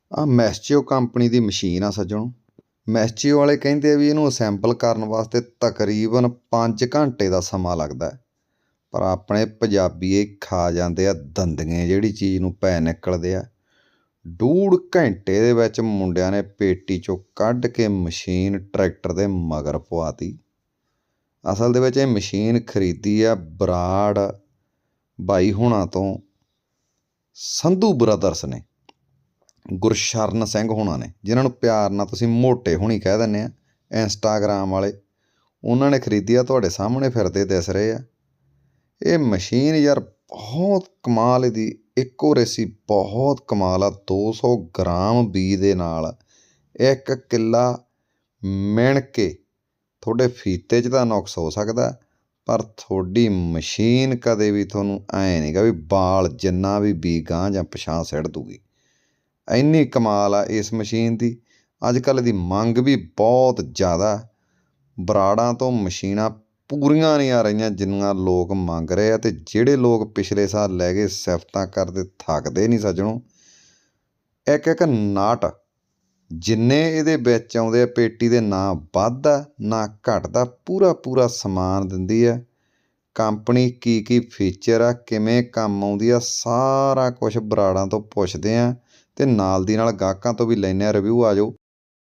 ਆ ਮੈਸਚਿਓ ਕੰਪਨੀ ਦੀ ਮਸ਼ੀਨ ਆ ਸੱਜਣੋ। ਮੈਸਚਿਓ ਵਾਲੇ ਕਹਿੰਦੇ ਆ ਵੀ ਇਹਨੂੰ ਅਸੈਂਬਲ ਕਰਨ ਵਾਸਤੇ ਤਕਰੀਬਨ 5 ਘੰਟੇ ਦਾ ਸਮਾਂ ਲੱਗਦਾ, ਪਰ ਆਪਣੇ ਪੰਜਾਬੀ ਇਹ ਖਾ ਜਾਂਦੇ ਆ ਦੰਦੀਆਂ ਜਿਹੜੀ ਚੀਜ਼ ਨੂੰ ਪੈ ਨਿਕਲਦੇ ਆ। 1.5 ਘੰਟੇ ਦੇ ਵਿੱਚ ਮੁੰਡਿਆਂ ਨੇ ਪੇਟੀ 'ਚੋਂ ਕੱਢ ਕੇ ਮਸ਼ੀਨ ਟਰੈਕਟਰ ਦੇ ਮਗਰ ਪਵਾਤੀ। ਅਸਲ ਦੇ ਵਿੱਚ ਇਹ ਮਸ਼ੀਨ ਖਰੀਦੀ ਆ ਬਰਾੜ ਬਾਈ ਹੋਣਾ ਤੋਂ, ਸੰਧੂ ਬ੍ਰਦਰਸ ਨੇ, ਗੁਰਸ਼ਰਨ ਸਿੰਘ ਹੋਣਾ ਨੇ, ਜਿਨ੍ਹਾਂ ਨੂੰ ਪਿਆਰ ਨਾਲ ਤੁਸੀਂ ਮੋਟੇ ਹੋਣੀ ਕਹਿ ਦਿੰਦੇ ਆ, ਇੰਸਟਾਗ੍ਰਾਮ ਵਾਲੇ। ਉਹਨਾਂ ਨੇ ਖਰੀਦੀ ਆ, ਤੁਹਾਡੇ ਸਾਹਮਣੇ ਫਿਰਦੇ ਦਿਸ ਰਹੇ ਆ। ਇਹ ਮਸ਼ੀਨ ਯਾਰ ਬਹੁਤ ਕਮਾਲ ਇਹਦੀ ਐਕੂਰੇਸੀ ਬਹੁਤ ਕਮਾਲ ਆ। 200 ਗ੍ਰਾਮ ਬੀਜ ਦੇ ਨਾਲ 1 ਕਿੱਲਾ ਮਿਣ ਕੇ ਤੁਹਾਡੇ ਫੀਤੇ 'ਚ ਤਾਂ ਨੁਕਸ ਹੋ ਸਕਦਾ, ਪਰ ਤੁਹਾਡੀ ਮਸ਼ੀਨ ਕਦੇ ਵੀ ਤੁਹਾਨੂੰ ਐਂ ਨਹੀਂ ਗਾ ਵੀ ਬਾਲ ਜਿੰਨਾ ਵੀ ਬੀਜ ਗਾਂਹ ਜਾਂ ਪਿਛਾਂਹ ਸਿੱਟ ਦੂਗੀ। ਇੰਨੀ ਕਮਾਲ ਆ ਇਸ ਮਸ਼ੀਨ ਦੀ। ਅੱਜ ਕੱਲ੍ਹ ਇਹਦੀ ਮੰਗ ਵੀ ਬਹੁਤ ਜ਼ਿਆਦਾ। ਬਰਾੜਾਂ ਤੋਂ ਮਸ਼ੀਨਾਂ ਪੂਰੀਆਂ ਨਹੀਂ ਆ ਰਹੀਆਂ ਜਿੰਨੀਆਂ ਲੋਕ ਮੰਗ ਰਹੇ ਆ, ਅਤੇ ਜਿਹੜੇ ਲੋਕ ਪਿਛਲੇ ਸਾਲ ਲੈ ਕੇ ਸਿਫਤਾਂ ਕਰਦੇ ਥੱਕਦੇ ਨਹੀਂ ਸੱਜਣੋ। ਇੱਕ ਇੱਕ ਨਾਟ ਜਿੰਨੇ ਇਹਦੇ ਵਿੱਚ ਆਉਂਦੇ ਆ ਪੇਟੀ ਦੇ, ਨਾ ਵੱਧਦਾ ਨਾ ਘਟਦਾ, ਪੂਰਾ ਪੂਰਾ ਸਮਾਨ ਦਿੰਦੀ ਆ ਕੰਪਨੀ। ਕੀ ਕੀ ਫੀਚਰ ਆ, ਕਿਵੇਂ ਕੰਮ ਆਉਂਦੀ ਆ, ਸਾਰਾ ਕੁਛ ਬਰਾੜਾਂ ਤੋਂ ਪੁੱਛਦੇ ਆ ਅਤੇ ਨਾਲ ਦੀ ਨਾਲ ਗਾਹਕਾਂ ਤੋਂ ਵੀ ਲੈਂਦੇ ਹਾਂ ਰਿਵਿਊ। ਆ ਜਾਓ,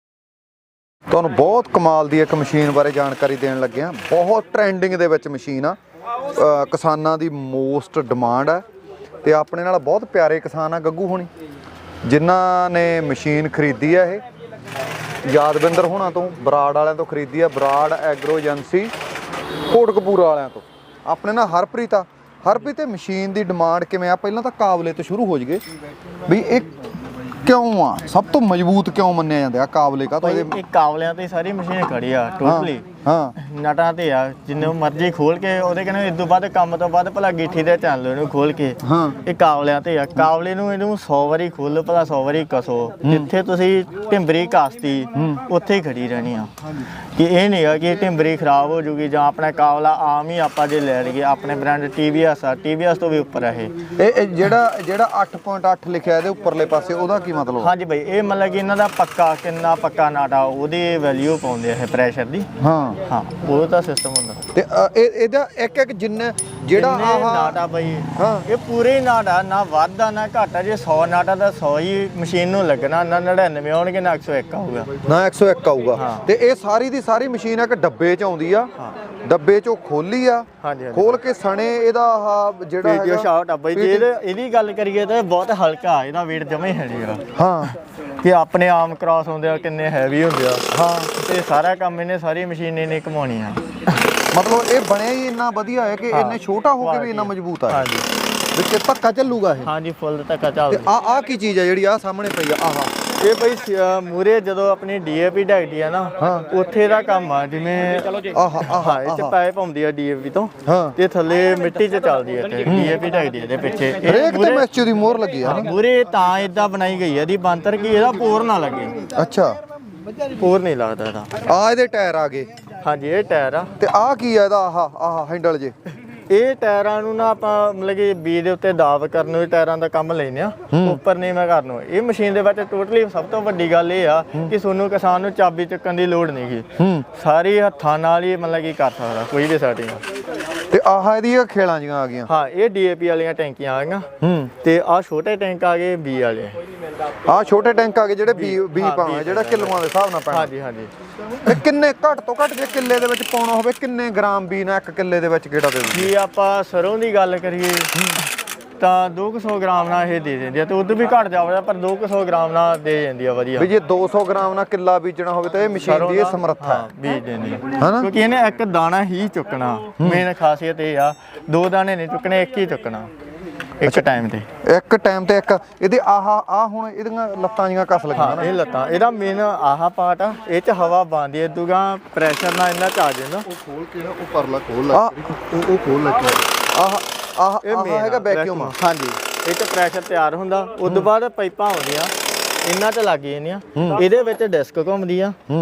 ਤੁਹਾਨੂੰ ਬਹੁਤ ਕਮਾਲ ਦੀ ਇੱਕ ਮਸ਼ੀਨ ਬਾਰੇ ਜਾਣਕਾਰੀ ਦੇਣ ਲੱਗੇ ਹਾਂ। ਬਹੁਤ ਟਰੈਂਡਿੰਗ ਦੇ ਵਿੱਚ ਮਸ਼ੀਨ ਆ, ਕਿਸਾਨਾਂ ਦੀ ਮੋਸਟ ਡਿਮਾਂਡ ਹੈ, ਅਤੇ ਆਪਣੇ ਨਾਲ ਬਹੁਤ ਪਿਆਰੇ ਕਿਸਾਨ ਆ ਗੱਗੂ ਹੋਣੀ, ਜਿਨ੍ਹਾਂ ਨੇ ਮਸ਼ੀਨ ਖਰੀਦੀ ਆ। ਇਹ ਯਾਦਵਿੰਦਰ ਹੋਣਾ ਤੋਂ, ਬਰਾੜ ਵਾਲਿਆਂ ਤੋਂ ਖਰੀਦੀ ਆ, ਬਰਾੜ ਐਗਰੋ ਏਜੰਸੀ ਕੋਟਕਪੂਰਾ ਵਾਲਿਆਂ ਤੋਂ। ਆਪਣੇ ਨਾਲ ਹਰਪ੍ਰੀਤ ਆ। ਹਰਪ੍ਰੀਤ, ਇਹ ਮਸ਼ੀਨ ਦੀ ਡਿਮਾਂਡ ਕਿਵੇਂ ਆ? ਪਹਿਲਾਂ ਤਾਂ ਕਾਬਲੇ ਤੋਂ ਸ਼ੁਰੂ ਹੋ ਜਾਈਏ ਵੀ ਇਹ ਕਿਉਂ ਆ ਸਭ ਤੋਂ ਮਜ਼ਬੂਤ ਕਿਉਂ ਮੰਨਿਆ ਜਾਂਦਾ ਆ ਕਾਬਲੇ? ਕਾ ਇਹ ਕਾਬਲਿਆਂ ਤੇ ਸਾਰੀ ਮਸ਼ੀਨ ਖੜੀ ਆ ਟੋਟਲੀ। ਹਾਂ, ਨਟਾਂ ਤੇ ਆ, ਜਿੰਨੇ ਮਰਜ਼ੀ ਖੋਲ ਕੇ ਉਹਦੇ ਕਹਿੰਦੇ ਇਸ ਤੋਂ ਬਾਅਦ ਕੰਮ ਤੋਂ ਬਾਅਦ ਭਲਾ ਗਿੱਠੀ ਦੇ ਚੱਲ ਇਹਨੂੰ ਖੋਲ ਕੇ। ਇਹ ਕਾਬਲਿਆਂ ਤੇ ਆ। ਕਾਬਲੇ ਨੂੰ ਇਹਨੂੰ 100 ਵਾਰੀ ਖੋਲੋ, ਭਲਾ 100 ਵਾਰੀ ਕਸੋ। ਜਿੱਥੇ ਤੁਸੀਂ ਢਿੰਬਰੀ ਕਾਸਤੀ ਉੱਥੇ ਹੀ ਖੜੀ ਰਹਿਣੀ ਆ। ਕਿ ਇਹ ਨਹੀਂ ਆ ਕਿ ਢਿੰਬਰੀ ਖਰਾਬ ਹੋ ਜੂਗੀ ਜਾਂ ਆਪਣਾ ਕਾਬਲਾ ਆਮ ਹੀ ਆਪਾਂ ਜੇ ਲੈ ਲਈਏ। ਆਪਣੇ ਬ੍ਰਾਂਡ TVS ਆ, TVS ਤੋਂ ਵੀ ਉੱਪਰ ਆ ਇਹ ਜਿਹੜਾ 8.8 ਲਿਖਿਆ ਇਹਦੇ ਉੱਪਰਲੇ ਪਾਸੇ, ਉਹਦਾ ਕੀ ਮਤਲਬ? ਹਾਂਜੀ ਬਾਈ, ਇਹ ਮਤਲਬ ਕਿ ਇਹਨਾਂ ਦਾ ਪੱਕਾ ਕਿੰਨਾ ਪੱਕਾ ਨਾਟਾ ਉਹਦੀ ਵੈਲਿਊ ਪਾਉਂਦੇ ਆ ਇਹ ਪ੍ਰੈਸ਼ਰ ਦੀ। ਹਾਂ, ਉਹ ਤਾਂ ਸਿਸਟਮ ਹੁੰਦਾ। ਤੇ ਇਹਦਾ ਇੱਕ ਇੱਕ ਜਿੰਨਾ ਜਿਹੜਾ ਆਹ ਨਾਟਾ ਬਾਈ, ਇਹ ਪੂਰੇ ਨਾਟਾ, ਨਾ ਵਾਧਾ ਨਾ ਘਾਟਾ। ਜੇ 100 ਨਾਟਾ ਦਾ 100 ਹੀ ਮਸ਼ੀਨ ਨੂੰ ਲੱਗਣਾ, ਨਾ 99 ਆਉਣਗੇ, ਨਾ 101 ਆਊਗਾ, ਨਾ 101 ਆਊਗਾ। ਤੇ ਇਹ ਸਾਰੀ ਦੀ ਸਾਰੀ ਮਸ਼ੀਨ ਇੱਕ ਡੱਬੇ 'ਚ ਆਉਂਦੀ ਆ। ਡੱਬੇ 'ਚੋਂ ਖੋਲੀ ਆ, ਖੋਲ ਕੇ ਸਣੇ ਇਹਦਾ ਆਹ ਜਿਹੜਾ ਵੀਡੀਓ ਸ਼ਾਟ ਆ ਬਾਈ। ਜੇ ਇਹਦੀ ਗੱਲ ਕਰੀਏ ਤਾਂ ਬਹੁਤ ਹਲਕਾ, ਇਹਦਾ weight ਜਮਾ ਹੀ ਹੈ ਨਹੀਂਗਾ। ਹਾਂ, ਕਿ ਆਪਣੇ ਆਮ ਕ੍ਰਾਸ ਹੁੰਦੇ ਆ ਕਿੰਨੇ ਹੈਵੀ ਹੁੰਦੇ ਆ। ਹਾਂ, ਤੇ ਸਾਰਾ ਕੰਮ ਇਹਨੇ ਸਾਰੀ ਮਸ਼ੀਨ ਨੇ ਕਮਾਉਣੀ ਆ। ਮਤਲਬ ਇਹ ਬਣਿਆ ਹੀ ਇੰਨਾ ਵਧੀਆ ਹੈ ਕਿ ਇੰਨੇ ਛੋਟਾ ਹੋ ਕੇ ਵੀ ਇੰਨਾ ਮਜ਼ਬੂਤ ਆ। ਹਾਂਜੀ, ਵਿੱਚ ਧੱਕਾ ਚੱਲੂਗਾ ਇਹ। ਹਾਂਜੀ, ਫੁੱਲ ਧੱਕਾ ਚੱਲਦਾ। ਆਹ ਕੀ ਚੀਜ਼ ਆ ਜਿਹੜੀ ਆਹ ਸਾਹਮਣੇ ਪਈ ਆ? ਇਹ ਬਈ ਮੂਰੇ ਜਦੋਂ ਆਪਣੀ DAP ਡਗਦੀ ਆ ਨਾ, ਉੱਥੇ ਦਾ ਕੰਮ ਆ। ਜਿਵੇਂ ਇਹ 'ਚ ਪਾਈਪ ਆਉਂਦੀ ਆ DAP ਤੋਂ, ਤੇ ਥੱਲੇ ਮਿੱਟੀ 'ਚ ਚੱਲਦੀ ਆ ਤੇ DAP ਡਗਦੀ ਆ ਇਹਦੇ ਪਿੱਛੇ। ਹਰੇਕ ਤੇ ਮੈਸਚਿਓ ਦੀ ਮੋਹਰ ਲੱਗੀ ਆ ਮੂਰੇ, ਤਾਂ ਇਦਾਂ ਬਣਾਈ ਗਈ ਆ ਇਹਦੀ ਬੰਤਰ ਕਿ ਇਹਦਾ ਪੋਰ ਨਾ ਲੱਗੇ। ਅੱਛਾ, ਪੋਰ ਨਹੀਂ ਲੱਗਦਾ ਇਹਦਾ। ਇਹਦੇ ਟਾਇਰ ਆ ਗਏ। ਹਾਂਜੀ, ਇਹ ਟਾਇਰ ਆ। ਤੇ ਆਹ ਕੀ ਆ ਇਹਦਾ? ਆਹ ਹੈਂਡਲ ਜੇ। ਇਹ ਟਾਇਰਾਂ ਨੂੰ ਨਾ ਆਪਾਂ ਮਤਲਬ ਕਿ ਬੀਜ ਦੇ ਉੱਤੇ ਦਾਬ ਕਰਨ ਨੂੰ ਟਾਇਰਾਂ ਦਾ ਕੰਮ ਲੈਂਦੇ ਆ, ਉੱਪਰ ਨੀਵਾਂ ਕਰਨ ਨੂੰ। ਇਹ ਮਸ਼ੀਨ ਦੇ ਵਿੱਚ ਟੋਟਲੀ ਸਭ ਤੋਂ ਵੱਡੀ ਗੱਲ ਇਹ ਆ ਕਿ ਤੁਹਾਨੂੰ ਕਿਸਾਨ ਨੂੰ ਚਾਬੀ ਚੱਕਣ ਦੀ ਲੋੜ ਨਹੀਂ ਗੀ। ਸਾਰੀ ਹੱਥਾਂ ਨਾਲ ਹੀ ਮਤਲਬ ਕਿ ਕਰ ਸਕਦਾ ਕੋਈ ਵੀ ਸੈਟਿੰਗ। ਤੇ ਇਹਦੀਆਂ ਖੇਲਾਂ ਜੀਆਂ ਆ ਗਈਆਂ। ਹਾਂ, ਇਹ DAP ਵਾਲੀਆਂ ਟੈਂਕੀਆਂ ਆ ਗਈਆਂ, ਤੇ ਆਹ ਛੋਟੇ ਟੈਂਕ ਆ ਗਏ ਬੀ ਵਾਲੇ। ਆਹ ਛੋਟੇ ਟੈਂਕ ਆ ਗਏ ਜਿਹੜੇ ਬੀ ਪਾਉਣੇ, ਜਿਹੜਾ ਕਿਲੋਆਂ ਦੇ ਹਿਸਾਬ ਨਾਲ ਪੈਣਾ। ਹਾਂਜੀ ਹਾਂਜੀ। ਤੇ ਕਿੰਨੇ ਘੱਟ ਤੋਂ ਘੱਟ ਜੇ ਕਿੱਲੇ ਦੇ ਵਿੱਚ ਪਾਉਣਾ ਹੋਵੇ, ਕਿੰਨੇ ਗ੍ਰਾਮ ਬੀ ਨਾਲ 1 ਕਿੱਲੇ ਦੇ ਵਿੱਚ ਕਿਹੜਾ ਦੇ ਦਿੰਦੀ? ਜੇ ਆਪਾਂ ਸਰੋਂ ਦੀ ਗੱਲ ਕਰੀਏ ਤਾਂ 200 ਗ੍ਰਾਮ ਨਾਲ ਇਹ ਦੇ ਦਿੰਦੀ ਆ, ਤੇ ਉਦੋਂ ਵੀ ਘੱਟ ਜਾਵੇ, ਪਰ 200 ਗ੍ਰਾਮ ਨਾਲ ਦੇ ਜਾਂਦੀ ਆ ਵਧੀਆ। ਵੀ ਜੇ 200 ਗ੍ਰਾਮ ਨਾਲ ਕਿੱਲਾ ਬੀਜਣਾ ਹੋਵੇ ਤਾਂ ਇਹ ਮਸ਼ੀਨ ਦੀ ਇਹ ਸਮਰੱਥਾ ਹੈ ਬੀਜ ਦੇਣੀ, ਕਿਉਂਕਿ ਇਹਨੇ ਇੱਕ ਦਾਣਾ ਹੀ ਚੁੱਕਣਾ। ਮੇਨ ਖਾਸੀਅਤ ਇਹ ਆ, 2 ਦਾਣੇ ਨਹੀਂ ਚੁੱਕਣੇ, ਇੱਕ ਹੀ ਚੁੱਕਣਾ ਇੱਕ ਟਾਈਮ ਤੇ। ਇੱਕ ਟਾਈਮ ਤੇ ਇੱਕ। ਇਹਦੇ ਆਹ ਹੁਣ ਇਹਦੀਆਂ ਲੱਤਾਂ ਜੀਆਂ ਕੱਸ ਲੱਗੀਆਂ ਨਾ। ਇਹ ਲੱਤਾਂ, ਇਹਦਾ ਮੇਨ ਆਹ ਪਾਰਟ ਆ, ਇਹ 'ਚ ਹਵਾ ਬੰਦੀ ਹੈ। ਦੂਗਾ ਪ੍ਰੈਸ਼ਰ ਨਾਲ ਇਹਨਾਂ 'ਚ ਆ ਜਾਂਦਾ। ਉਹ ਖੋਲ ਕੇ ਨਾ, ਉਹ ਪਰਲਾ ਖੋਲ ਲੈ, ਉਹ ਖੋਲ ਲੈ ਕੇ ਆਹ ਹੈਗਾ ਵੈਕਿਊਮ। ਹਾਂਜੀ, ਇਹ 'ਚ ਪ੍ਰੈਸ਼ਰ ਤਿਆਰ ਹੁੰਦਾ। ਉਦੋਂ ਬਾਅਦ ਪਾਈਪਾਂ ਆਉਂਦੀਆਂ, ਇਹਨਾਂ 'ਚ ਲੱਗ ਜਾਂਦੀਆਂ। ਇਹਦੇ ਵਿੱਚ ਡਿਸਕ ਘੁੰਮਦੀ ਆ,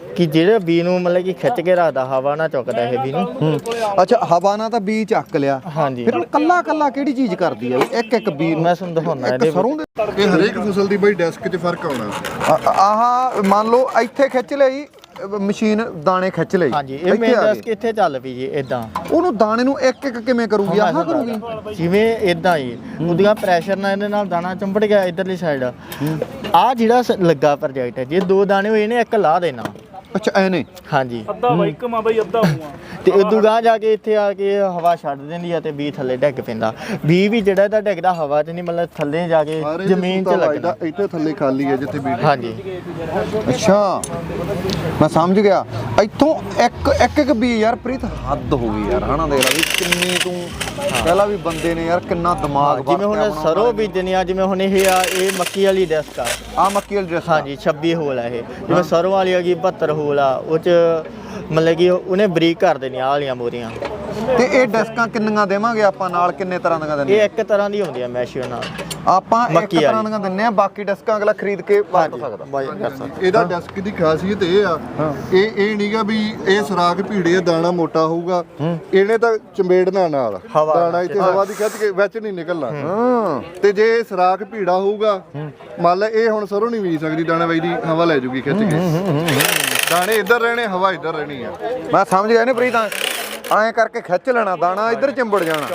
ਕਿ ਜਿਹੜੇ ਬੀ ਨੂੰ ਮਤਲਬ ਕਿ ਖਿੱਚ ਕੇ ਰੱਖਦਾ, ਹਵਾ ਨਾ ਚੁੱਕਦਾ ਇਹ ਬੀ ਨੂੰ। ਅੱਛਾ, ਹਵਾ ਨਾਲ ਤਾਂ ਬੀ ਚੱਕ ਲਿਆ। ਹਾਂਜੀ, ਫਿਰ ਕੱਲਾ ਕੱਲਾ ਕਿਹੜੀ ਚੀਜ਼ ਕਰਦੀ ਆ ਇੱਕ ਇੱਕ ਬੀ ਨੂੰ? ਮੈਂ ਤੁਹਾਨੂੰ ਦਿਖਾਉਣਾ ਇਹਦੇ ਸਰੋਂ ਦੇ ਇਹ ਹਰੇਕ ਫਸਲ ਦੀ ਬਾਈ ਡੈਸਕ 'ਚ ਫਰਕ ਆਉਣਾ। ਆਹ ਮੰਨ ਲਓ ਇੱਥੇ ਖਿੱਚ ਲਈ ਮਸ਼ੀਨ, ਦਾਣੇ ਖਿੱਚ ਲਈ। ਹਾਂਜੀ, ਇਹ ਮੇਨ ਡੈਸਕ ਇੱਥੇ ਚੱਲ ਪਈ ਜੀ ਇਦਾਂ। ਉਹਨੂੰ ਦਾਣੇ ਨੂੰ ਇੱਕ ਇੱਕ ਕਿਵੇਂ ਕਰੂਗੀ? ਆਹ ਕਰੂਗੀ ਜਿਵੇਂ ਇਦਾਂ ਹੀ ਉਹਦਾ ਪ੍ਰੈਸ਼ਰ ਨਾਲ ਇਹਦੇ ਨਾਲ ਦਾਣਾ ਚੰਬੜ ਗਿਆ ਇਧਰਲੀ ਸਾਈਡ। ਆ ਜਿਹੜਾ ਲੱਗਾ ਪ੍ਰੋਜੈਕਟ ਹੈ, ਜੇ 2 ਦਾਣੇ ਹੋਏ ਨੇ, ਇੱਕ ਲਾ ਦੇਣਾ। ਅੱਛਾ, ਐਨੇ? ਹਾਂਜੀ, ਅੱਧਾ ਬਾਈਕ ਮਾ ਬਾਈ ਅੱਧਾ ਹੂਆ ਤੇ ਉਦੋਂ ਗਾਂ ਜਾ ਕੇ ਇੱਥੇ ਆ ਕੇ ਹਵਾ ਛੱਡ ਦਿੰਦੀ ਆ ਤੇ ਬੀ ਥੱਲੇ ਡਿੱਗ ਪੈਂਦਾ। ਬੀ ਵੀ ਜਿਹੜਾ ਇਹਦਾ ਡਿੱਗਦਾ ਹਵਾ 'ਚ ਨਹੀਂ, ਮਤਲਬ ਥੱਲੇ ਜਾ ਕੇ ਜ਼ਮੀਨ 'ਚ ਲੱਗਦਾ। ਇੱਥੇ ਥੱਲੇ ਖਾਲੀ ਹੈ ਜਿੱਥੇ ਬੀਜ। ਹਾਂਜੀ, ਅੱਛਾ, ਮੈਂ ਸਮਝ ਗਿਆ। ਇੱਥੋਂ ਇੱਕ ਬੀ ਯਾਰ ਪ੍ਰੀਤ ਹੱਦ ਹੋ ਗਈ ਯਾਰ, ਹਨਾ? ਦੇਖ ਲੈ ਵੀ ਕਿੰਨੀ ਤੂੰ ਪਹਿਲਾਂ ਵੀ ਬੰਦੇ ਨੇ ਯਾਰ ਕਿੰਨਾ ਦਿਮਾਗ। ਜਿਵੇਂ ਹੁਣ ਸਰੋਂ ਬੀਜਣੀ ਆ, ਜਿਵੇਂ ਹੁਣ ਇਹ ਆ, ਇਹ ਮੱਕੀ ਵਾਲੀ ਡੈਸਕ ਆ। ਮੱਕੀ ਵਾਲੀ ਡਰੈਸ। ਹਾਂਜੀ, 26 ਹੋਲ ਆ ਇਹ। ਜਿਵੇਂ ਸਰੋਂ ਵਾਲੀ ਹੈਗੀ 72 ਹੋਲ ਆ, ਉਹ 'ਚ ਮਤਲਬ ਕਿ ਉਹਨੇ ਬਰੀਕ ਕਰ ਦੇਣੀ ਆਹ ਵਾਲੀਆਂ ਮੋਰੀਆਂ। ਤੇ ਇਹ ਡੈਸਕਾਂ ਕਿੰਨੀਆਂ ਦੇਵਾਂਗੇ ਆਪਾਂ? ਨਾਲ ਕਿੰਨੇ ਤਰ੍ਹਾਂ ਦੀਆਂ ਦਿੰਦੇ? ਇਹ ਇੱਕ ਤਰ੍ਹਾਂ ਦੀ ਹੁੰਦੀ ਆ ਮੈਸ਼ੀਨ ਨਾਲ। ਆਪਾਂ ਇੱਕ ਮੱਕੀ ਤਰ੍ਹਾਂ ਵਾਲੀ ਦੀਆਂ ਦਿੰਨੇ ਆ, ਬਾਕੀ ਡੈਸਕਾਂ ਅਗਲਾ ਖਰੀਦ ਕੇ ਵਰਤ ਸਕਦਾ। ਬਾਈ ਕਰ ਸਕਦਾ। ਇਹਦਾ ਡੈਸਕ ਦੀ ਖਾਸੀਅਤ ਇਹ ਆ, ਇਹ ਨਹੀਂਗਾ ਵੀ ਇਹ ਸੁਰਾਖ ਭੀੜੇ ਦਾਣਾ ਮੋਟਾ ਹੋਊਗਾ। ਇਹਨੇ ਤਾਂ ਚੰਬੇੜਨਾ ਨਾਲ ਦਾਣਾ ਇੱਥੇ ਹਵਾ ਦੀ ਖਿੱਚ ਕੇ ਵਿੱਚ ਨਹੀਂ ਨਿਕਲਣਾ। ਤੇ ਜੇ ਸੁਰਾਖ ਭੀੜਾ ਹੋਊਗਾ, ਮੰਨ ਲੈ ਇਹ ਹੁਣ ਸਰੋਂ ਨਹੀਂ ਬੀਜ ਸਕਦੀ, ਦਾਣਾ ਬਾਈ ਦੀ ਹਵਾ ਲੈ ਜੂਗੀ ਖਿੱਚ ਕੇ। ਦਾਣੇ ਇੱਧਰ ਰਹਿਣੇ, ਹਵਾ ਇੱਧਰ ਰਹਿਣੀ ਆ। ਮੈਂ ਸਮਝ ਗਿਆ ਨੇ ਪ੍ਰੀਤ, ਐਂ ਕਰਕੇ ਖਿੱਚ ਲੈਣਾ, ਦਾਣਾ ਇੱਧਰ ਚਿੰਬੜ ਜਾਣਾ।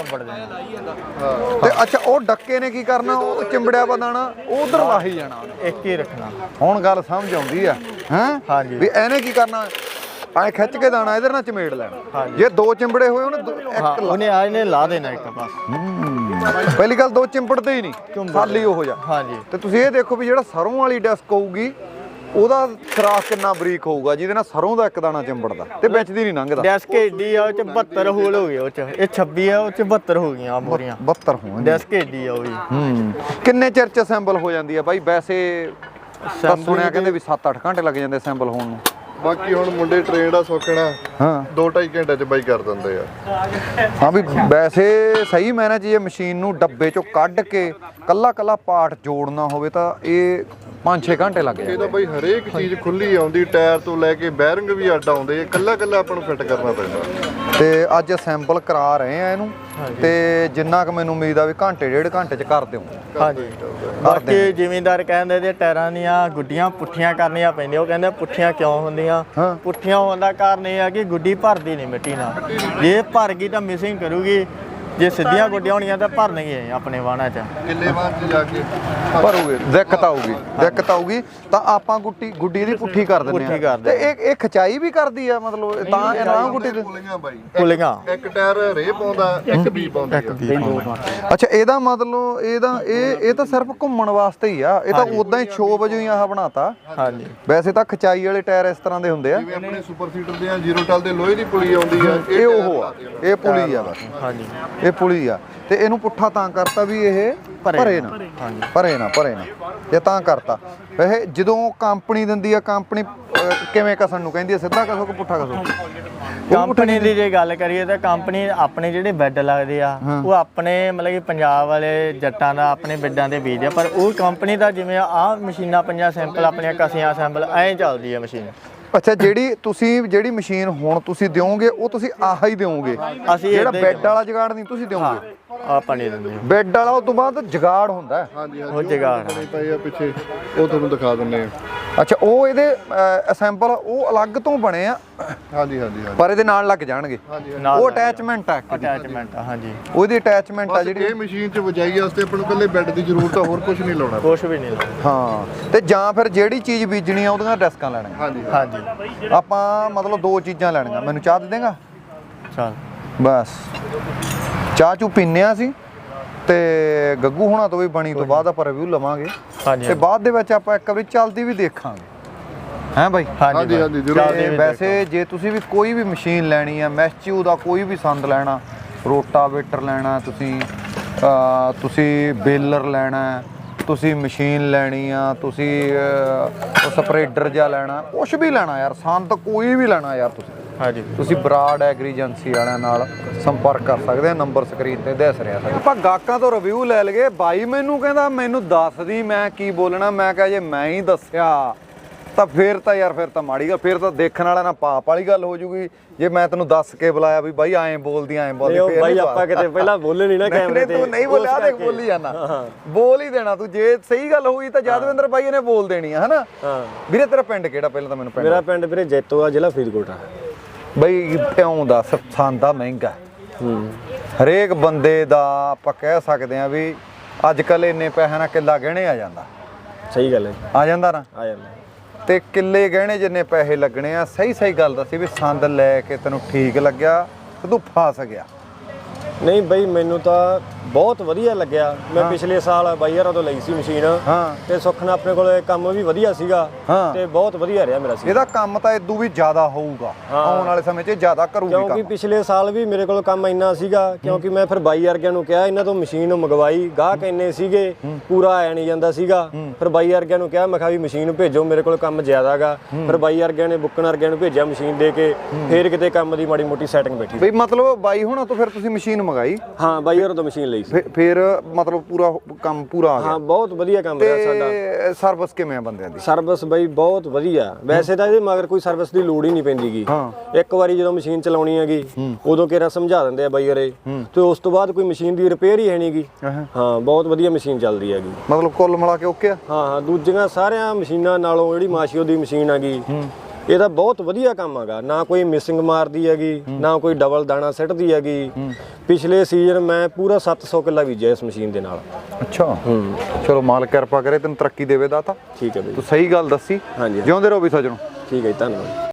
ਤੇ ਅੱਛਾ, ਉਹ ਡੱਕੇ ਨੇ ਕੀ ਕਰਨਾ? ਉਹ ਚਿੰਬੜਿਆ ਵਾ ਦਾਣਾ ਉਧਰ ਲਾਹੀ ਜਾਣਾ। ਇੱਕ ਹੀ ਰੱਖਣਾ। ਹੁਣ ਗੱਲ ਸਮਝ ਆਉਂਦੀ ਆ ਹੈਂ? ਹਾਂਜੀ। ਵੀ ਇਹਨੇ ਕੀ ਕਰਨਾ? ਐਂ ਖਿੱਚ ਕੇ ਦਾਣਾ ਇਧਰ ਨਾਲ ਚਮੇੜ ਲੈਣਾ। ਜੇ 2 ਚਿੰਬੜੇ ਹੋਏ ਉਹਨੇ ਆ ਇਹਨੇ ਲਾ ਦੇਣਾ ਇੱਕ ਪਾਸ। ਪਹਿਲੀ ਗੱਲ 2 ਚਿੰਬੜਦੇ ਹੀ ਨਹੀਂ, ਖਾਲੀ ਉਹ ਜਾ। ਹਾਂਜੀ, ਤੇ ਤੁਸੀਂ ਇਹ ਦੇਖੋ ਵੀ ਜਿਹੜਾ ਸਰੋਂ ਵਾਲੀ ਡੈਸਕ ਹੋਊਗੀ, ਉਹਦਾ ਖਰਾਕ ਕਿੰਨਾ ਬਰੀਕ ਹੋਊਗਾ, ਜਿਹਦੇ ਨਾਲ ਸਰੋਂ ਦਾ ਇੱਕ ਦਾਣਾ ਚਿੰਬੜਦਾ ਤੇ ਵਿੱਚ ਦੀ ਨਹੀਂ ਲੰਘਦਾ। ਡੈਸਕ ਏਡੀ ਆ, ਉਹ 'ਚ 72 ਹੋਲ ਹੋ ਗਏ। ਉਹ 'ਚ ਇਹ 26 ਆ, ਉਹ 'ਚ 72 ਹੋ ਗਈਆਂ ਮੋਰੀਆਂ। 72 ਹੋਣ ਡੈਸਕ ਏਡੀ ਆ ਉਹ ਵੀ। ਕਿੰਨੇ ਚਿਰ ਚ ਅਸੈਂਬਲ ਹੋ ਜਾਂਦੀ ਆ ਬਾਈ? ਵੈਸੇ ਤਾਂ ਸੁਣਿਆ ਕਹਿੰਦੇ ਵੀ 7-8 ਘੰਟੇ ਲੱਗ ਜਾਂਦੇ ਅਸੈਂਬਲ ਹੋਣ ਨੂੰ। ਬਾਕੀ ਹੁਣ ਮੁੰਡੇ ਟ੍ਰੇਨਡ ਆ, ਸੌਖਣਾ ਹਾਂ 2-2.5 ਘੰਟੇ ਚ ਬਾਈ ਕਰ ਦਿੰਦੇ ਆ। ਹਾਂ ਵੀ ਵੈਸੇ ਸਹੀ ਮੈਨੇ 'ਚ ਇਹ ਮਸ਼ੀਨ ਨੂੰ ਡੱਬੇ ਚੋਂ ਕੱਢ ਕੇ ਕੱਲਾ ਪਾਰਟ ਜੋੜਨਾ ਹੋਵੇ ਤਾਂ ਇਹ 5-6 ਘੰਟੇ ਲੱਗ ਜਾਂਦੇ। ਇਹ ਤਾਂ ਬਾਈ ਹਰੇਕ ਚੀਜ਼ ਖੁੱਲੀ ਆਉਂਦੀ, ਟਾਇਰ ਤੋਂ ਲੈ ਕੇ ਬੈਰਿੰਗ ਵੀ ਅੱਡ ਆਉਂਦੇ, ਕੱਲਾ ਆਪਾਂ ਨੂੰ ਫਿੱਟ ਕਰਨਾ ਪੈਂਦਾ। ਤੇ ਅੱਜ ਅਸੈਂਬਲ ਕਰਾ ਰਹੇ ਆ ਇਹਨੂੰ, ਤੇ ਜਿੰਨਾ ਕੁ ਮੈਨੂੰ ਉਮੀਦ ਆ ਵੀ ਘੰਟੇ 1.5 ਘੰਟੇ ਚ ਕਰ ਦਿਓ। ਹਾਂਜੀ, ਬਾਕੀ ਜ਼ਿਮੀਂਦਾਰ ਕਹਿੰਦੇ ਤੇ ਟਾਇਰਾਂ ਦੀਆਂ ਗੁੱਡੀਆਂ ਪੁੱਠੀਆਂ ਕਰਨੀਆਂ ਪੈਂਦੀਆਂ। ਉਹ ਕਹਿੰਦੇ ਪੁੱਠੀਆਂ ਕਿਉਂ ਹੁੰਦੀਆਂ? ਪੁੱਠੀਆਂ ਹੋਣ ਦਾ ਕਾਰਨ ਇਹ ਆ ਕਿ ਗੁੱਡੀ ਭਰਦੀ ਨਹੀਂ ਮਿੱਟੀ ਨਾਲ। ਜੇ ਭਰ ਗਈ ਤਾਂ ਮਿਸਿੰਗ ਕਰੂਗੀ, ਜੇ ਸਿੱਧੀਆਂ ਗੁੱਡੀਆਂ ਹੋਣੀਆਂ ਤਾਂ ਭਰਨਗੇ ਆਪਣੇ ਵਾਹਣਾ 'ਚ। ਕਿੱਲੇ ਬਾਅਦ ਚ ਜਾ ਕੇ ਭਰੂਗੇ, ਦਿੱਕਤ ਆਊਗੀ ਤਾਂ ਆਪਾਂ ਗੁੱਡੀ ਦੀ ਪੁੱਠੀ ਕਰ ਦਿੰਦੇ ਆ। ਤੇ ਇਹ ਖਿਚਾਈ ਵੀ ਕਰਦੀ ਆ, ਮਤਲਬ ਤਾਂ ਇਹ ਨਾ ਗੁੱਡੀ ਦੇ ਪੁਲੀਆਂ ਬਾਈ, ਪੁਲੀਆਂ ਇੱਕ ਟਾਇਰ ਰੇ ਪਾਉਂਦਾ, ਇੱਕ ਬੀ ਪਾਉਂਦੀ ਆ। ਅੱਛਾ, ਇਹਦਾ ਮਤਲਬ ਇਹ ਤਾਂ ਸਿਰਫ ਘੁੰਮਣ ਵਾਸਤੇ ਹੀ ਆ। ਇਹ ਤਾਂ ਉਦਾਂ ਹੀ ਸ਼ੋਅ ਵਜੋਂ ਹੀ ਆਹ ਬਣਾਤਾ। ਹਾਂਜੀ, ਵੈਸੇ ਤਾਂ ਖਿਚਾਈ ਵਾਲੇ ਟਾਇਰ ਇਸ ਤਰ੍ਹਾਂ ਦੇ ਹੁੰਦੇ ਆ। ਜਿਵੇਂ ਆਪਣੇ ਸੁਪਰ ਸੀਟਰ ਦੇ ਆ, 0 ਟਲ ਦੇ ਲੋਹੇ ਦੀ ਪੁਲੀ ਆਉਂਦੀ ਆ, ਇਹ ਉਹ ਆ, ਇਹ ਪੁਲੀ ਆ ਬਸ। ਹਾਂਜੀ, ਇਹ ਪੁਲੀ ਆ। ਤੇ ਇਹਨੂੰ ਪੁੱਠਾ ਤਾਂ ਕਰਤਾ ਵੀ ਇਹ ਭਰੇ ਨਾ। ਇਹ ਤਾਂ ਕਰਤਾ। ਵੈਸੇ ਜਦੋਂ ਕੰਪਨੀ ਦਿੰਦੀ ਆ, ਕੰਪਨੀ ਕਿਵੇਂ ਕਸਣ ਨੂੰ ਕਹਿੰਦੀ ਆ? ਸਿੱਧਾ ਕਸੋ ਕਿ ਪੁੱਠਾ ਕਸੋ? ਕੰਪਨੀ ਦੀ ਜੇ ਗੱਲ ਕਰੀਏ ਤਾਂ ਕੰਪਨੀ ਆਪਣੇ ਜਿਹੜੇ ਬੈੱਡ ਲੱਗਦੇ ਆ, ਉਹ ਆਪਣੇ ਮਤਲਬ ਕਿ ਪੰਜਾਬ ਵਾਲੇ ਜੱਟਾਂ ਦਾ ਆਪਣੇ ਬੈੱਡਾਂ ਦੇ ਬੀਜਦੇ ਆ। ਪਰ ਉਹ ਕੰਪਨੀ ਦਾ ਜਿਵੇਂ ਆਹ ਮਸ਼ੀਨਾਂ ਪੰਜਾਂ ਸੈਂਪਲ ਆਪਣੀਆਂ ਕਸੀਆਂ ਸੈਂਪਲ ਐਂ ਚੱਲਦੀ ਆ ਮਸ਼ੀਨ। ਅੱਛਾ, ਜਿਹੜੀ ਮਸ਼ੀਨ ਹੁਣ ਤੁਸੀਂ ਦਿਓਗੇ ਉਹ ਤੁਸੀਂ ਆਹ ਹੀ ਦਿਓਗੇ? ਅਸੀਂ ਜਿਹੜਾ ਬੈੱਡ ਵਾਲਾ ਜਗਾੜ ਨਹੀਂ ਤੁਸੀਂ ਦਿਓਗੇ? ਆਪਾਂ ਨਹੀਂ ਦਿੰਦੇ। ਬੈੱਡ ਵਾਲਾ ਉਸ ਤੋਂ ਬਾਅਦ ਜਗਾੜ ਹੁੰਦਾ। ਹਾਂਜੀ, ਉਹ ਜਗਾੜ ਪਏ ਆ ਪਿੱਛੇ, ਉਹ ਤੁਹਾਨੂੰ ਦਿਖਾ ਦਿੰਨੇ ਆ। ਅੱਛਾ, ਉਹ ਇਹਦੇ ਅਸੈਂਬਲ ਉਹ ਅਲੱਗ ਤੋਂ ਬਣੇ ਆ। ਹਾਂਜੀ, ਪਰ ਇਹਦੇ ਨਾਲ ਲੱਗ ਜਾਣਗੇ। ਉਹ ਅਟੈਚਮੈਂਟ ਆ। ਹਾਂਜੀ, ਉਹਦੀ ਅਟੈਚਮੈਂਟ ਆ ਜਿਹੜੀ। ਇਹ ਮਸ਼ੀਨ 'ਚ ਵਜਾਈ ਵਾਸਤੇ ਆਪਾਂ ਨੂੰ ਇਕੱਲੇ ਬੈੱਡ ਦੀ ਜ਼ਰੂਰਤ ਆ, ਹੋਰ ਕੁਝ ਨਹੀਂ ਲਾਉਣਾ। ਕੁਝ ਵੀ ਨਹੀਂ ਲਾਉਣਾ। ਹਾਂ, ਤੇ ਜਾਂ ਫਿਰ ਜਿਹੜੀ ਚੀਜ਼ ਬੀਜਣੀ ਆ ਉਹਦੀਆਂ ਡੈਸਕਾਂ ਲੈਣੀਆਂ। ਹਾਂਜੀ, ਆਪਾਂ ਮਤਲਬ 2 ਚੀਜ਼ਾਂ ਲੈਣੀਆਂ। ਮੈਨੂੰ ਚਾਹ ਦੇ ਦੇਗਾ? ਚਲ ਬਸ ਚਾਹ ਚੂ ਪੀਨੇ ਆ ਅਸੀਂ, ਤੇ ਗੱਗੂ ਹੋਣਾ ਤੋਂ ਵੀ ਬਣੀ ਤੋਂ ਬਾਅਦ ਆਪਾਂ ਰਿਵਿਊ ਲਵਾਂਗੇ। ਤੇ ਬਾਅਦ ਦੇ ਵਿੱਚ ਆਪਾਂ ਇੱਕ ਵਾਰੀ ਚੱਲਦੀ ਵੀ ਦੇਖਾਂਗੇ, ਹੈਂ ਬਾਈ? ਹਾਂਜੀ ਜ਼ਰੂਰ। ਵੈਸੇ ਜੇ ਤੁਸੀਂ ਵੀ ਕੋਈ ਵੀ ਮਸ਼ੀਨ ਲੈਣੀ ਆ, ਮੈਸਚੂ ਦਾ ਕੋਈ ਵੀ ਸੰਦ ਲੈਣਾ, ਰੋਟਾਵੇਟਰ ਲੈਣਾ, ਤੁਸੀਂ ਬੇਲਰ ਲੈਣਾ, ਤੁਸੀਂ ਮਸ਼ੀਨ ਲੈਣੀ ਆ, ਤੁਸੀਂ ਸਪਰੇਡਰ ਜਿਹਾ ਲੈਣਾ, ਕੁਛ ਵੀ ਲੈਣਾ ਯਾਰ, ਸੰਦ ਕੋਈ ਵੀ ਲੈਣਾ ਯਾਰ, ਤੁਸੀਂ ਬਰਾੜ ਐਗਰੀ ਏਜੰਸੀ ਵਾਲਿਆਂ ਨਾਲ ਸੰਪਰਕ ਕਰ ਸਕਦੇ ਆ। ਨੰਬਰ ਸਕਰੀਨ ਤੇ ਦਿਸ ਰਿਹਾ ਸਾਡਾ। ਆਪਾਂ ਗਾਹਕਾਂ ਤੋਂ ਰਿਵਿਊ ਲੈ ਲਈਏ। ਬਾਈ ਮੈਨੂੰ ਕਹਿੰਦਾ ਮੈਨੂੰ ਦੱਸ ਦੀ ਮੈਂ ਕੀ ਬੋਲਣਾ। ਮੈਂ ਕਿਹਾ ਜੇ ਮੈਂ ਹੀ ਦੱਸਿਆ ਤਾਂ ਫੇਰ ਤਾਂ ਯਾਰ ਫਿਰ ਤਾਂ ਮਾੜੀ ਗੱਲ, ਫੇਰ ਤਾਂ ਦੇਖਣ ਵਾਲਾ ਨਾ ਪਾਪ ਵਾਲੀ ਗੱਲ ਹੋ ਜੂਗੀ ਜੇ ਮੈਂ ਤੈਨੂੰ ਦੱਸ ਕੇ ਬੁਲਾਇਆ ਵੀ ਬਾਈ ਐਂ ਬੋਲਦੀ ਫੇਰ ਬਾਈ ਆਪਾਂ ਕਿਤੇ ਪਹਿਲਾਂ ਬੋਲੇ ਨਹੀਂ ਨਾ ਕੈਮਰੇ ਤੇ। ਤੂੰ ਨਹੀਂ ਬੋਲਿਆ ਦੇਖ ਬੋਲੀ ਜਾਣਾ, ਬੋਲ ਹੀ ਦੇਣਾ ਤੂੰ, ਜੇ ਸਹੀ ਗੱਲ ਹੋਈ ਤਾਂ ਯਾਦਵਿੰਦਰ ਬਾਈ ਇਹਨੇ ਬੋਲ ਦੇਣੀ ਆ ਹਨਾ। ਵੀਰੇ ਤੇਰਾ ਪਿੰਡ ਕਿਹੜਾ ਪਹਿਲਾਂ ਤਾਂ ਮੈਨੂੰ ਪਿੰਡ? ਮੇਰਾ ਪਿੰਡ ਵੀਰੇ ਜੈਤੋ ਆ, ਜ਼ਿਲ੍ਹਾ ਫਰੀਦਕੋਟ ਆ। ਬਈ ਕਿਉਂ ਦੱਸ, ਸੰਦਾ ਮਹਿੰਗਾ ਹਰੇਕ ਬੰਦੇ ਦਾ ਆਪਾਂ ਕਹਿ ਸਕਦੇ ਆ ਵੀ ਅੱਜ ਕੱਲ ਇੰਨੇ ਪੈਸੇ ਨਾਲ ਕਿੱਲਾ ਗਹਿਣੇ ਆ ਜਾਂਦਾ। ਸਹੀ ਗੱਲ ਹੈ, ਆ ਜਾਂਦਾ ਨਾ, ਆ ਜਾਂਦਾ। ਤੇ ਕਿੱਲੇ ਗਹਿਣੇ ਜਿੰਨੇ ਪੈਸੇ ਲੱਗਣੇ ਆ, ਸਹੀ ਗੱਲ ਦੱਸੀ ਵੀ ਸੰਦ ਲੈ ਕੇ ਤੈਨੂੰ ਠੀਕ ਲੱਗਿਆ ਤੇ ਤੂੰ ਫਸ ਗਿਆ? ਨਹੀਂ ਬਈ ਮੈਨੂੰ ਤਾਂ ਬਹੁਤ ਵਧੀਆ ਲੱਗਿਆ। ਮੈਂ ਪਿਛਲੇ ਸਾਲ ਬਾਈ ਯਾਰ ਉਦੋਂ ਲਈ ਸੀ ਮਸ਼ੀਨ, ਤੇ ਸੁੱਖ ਨਾਲ ਆਪਣੇ ਕੋਲ ਕੰਮ ਵੀ ਵਧੀਆ ਸੀਗਾ ਤੇ ਬਹੁਤ ਵਧੀਆ ਰਿਹਾ ਮੇਰਾ ਸੀ। ਇਹਦਾ ਕੰਮ ਤਾਂ ਇਦੋਂ ਵੀ ਜ਼ਿਆਦਾ ਹੋਊਗਾ ਆਉਣ ਵਾਲੇ ਸਮੇਂ 'ਚ, ਜ਼ਿਆਦਾ ਕਰੂਗੀ ਕੰਮ। ਕਿਉਂਕਿ ਪਿਛਲੇ ਸਾਲ ਵੀ ਮੇਰੇ ਕੋਲ ਕੰਮ ਇੰਨਾ ਸੀਗਾ, ਕਿਉਂਕਿ ਮੈਂ ਫਿਰ ਬਾਈ ਵਰਗਿਆਂ ਨੂੰ ਕਿਹਾ, ਇਹਨਾਂ ਤੋਂ ਮਸ਼ੀਨ ਮੰਗਵਾਈ, ਗਾਹਕ ਇੰਨੇ ਸੀਗੇ ਪੂਰਾ ਆਇਆ ਨਹੀਂ ਜਾਂਦਾ ਸੀਗਾ। ਫਿਰ ਬਾਈ ਵਰਗਿਆਂ ਨੂੰ ਕਿਹਾ, ਮੈਂ ਕਿਹਾ ਵੀ ਮਸ਼ੀਨ ਭੇਜੋ, ਮੇਰੇ ਕੋਲ ਕੰਮ ਜ਼ਿਆਦਾ ਗਾ। ਫਿਰ ਬਾਈ ਵਰਗਿਆਂ ਨੇ ਬੁੱਕਣ ਵਰਗਿਆਂ ਨੂੰ ਭੇਜਿਆ ਮਸ਼ੀਨ ਦੇ ਕੇ, ਫਿਰ ਕਿਤੇ ਕੰਮ ਦੀ ਮਾੜੀ ਮੋਟੀ ਸੈਟਿੰਗ ਬੈਠੀ। ਬਈ ਮਤਲਬ ਬਾਈ ਹੁਣਾਂ ਤੋਂ ਫਿਰ ਤੁਸੀਂ ਮਸ਼ੀਨ ਮੰਗਾਈ? ਹਾਂ ਬਾਈ ਯਾਰ ਤੋਂ ਮਸ਼ੀਨ ਲਈ ਸੀ। ਫਿਰ ਮਤਲਬ ਪੂਰਾ ਕੰਮ ਪੂਰਾ ਆ ਗਿਆ? ਹਾਂ ਬਹੁਤ ਵਧੀਆ ਕੰਮ ਰਿਹਾ ਸਾਡਾ। ਤੇ ਸਰਵਿਸ ਕਿਵੇਂ ਆ ਬੰਦਿਆਂ ਦੀ? ਸਰਵਿਸ ਬਈ ਬਹੁਤ ਵਧੀਆ। ਵੈਸੇ ਤਾਂ ਇਹਦੇ ਮਗਰ ਕੋਈ ਸਰਵਿਸ ਦੀ ਲੋੜ ਹੀ ਨਹੀਂ ਪੈਂਦੀਗੀ। ਇੱਕ ਵਾਰੀ ਜਦੋਂ ਮਸ਼ੀਨ ਚਲਾਉਣੀ ਹੈਗੀ ਉਦੋਂ ਕਿਹੜਾ ਸਮਝਾ ਦਿੰਦੇ ਆ ਬਾਈ ਹਰੇ, ਤੇ ਉਸ ਤੋਂ ਬਾਅਦ ਕੋਈ ਮਸ਼ੀਨ ਦੀ ਰਿਪੇਅਰ ਹੀ ਹੈ ਨਹੀਂਗੀ। ਹਾਂ ਬਹੁਤ ਵਧੀਆ ਮਸ਼ੀਨ ਚੱਲਦੀ ਹੈਗੀ। ਮਤਲਬ ਕੁੱਲ ਮਿਲਾ ਕੇ ਓਕੇ ਆ? ਹਾਂ ਦੂਜੀਆਂ ਸਾਰਿਆਂ ਮਸ਼ੀਨਾਂ ਨਾਲੋਂ ਜਿਹੜੀ ਮਾਸ਼ੀਓ ਦੀ ਮਸ਼ੀਨ ਹੈਗੀ ਇਹਦਾ ਬਹੁਤ ਵਧੀਆ ਕੰਮ ਹੈਗਾ। ਨਾ ਕੋਈ ਮਿਸਿੰਗ ਮਾਰਦੀ ਹੈਗੀ, ਨਾ ਕੋਈ ਡਬਲ ਦਾਣਾ ਸਿੱਟਦੀ ਹੈਗੀ। ਪਿਛਲੇ ਸੀਜ਼ਨ ਮੈਂ ਪੂਰਾ 700 ਕਿੱਲਾ ਬੀਜਿਆ ਇਸ ਮਸ਼ੀਨ ਦੇ ਨਾਲ। ਅੱਛਾ, ਚਲੋ ਮਾਲਕ ਕਿਰਪਾ ਕਰੇ, ਤੈਨੂੰ ਤਰੱਕੀ ਦੇਵੇ ਦਾਤਾ। ਠੀਕ ਹੈ ਬਈ, ਤੂੰ ਸਹੀ ਗੱਲ ਦੱਸੀ। ਹਾਂਜੀ ਜਿਉਂਦੇ ਰਹੋ ਵੀ ਸੱਜਣੋ। ਠੀਕ ਹੈ ਜੀ, ਧੰਨਵਾਦ।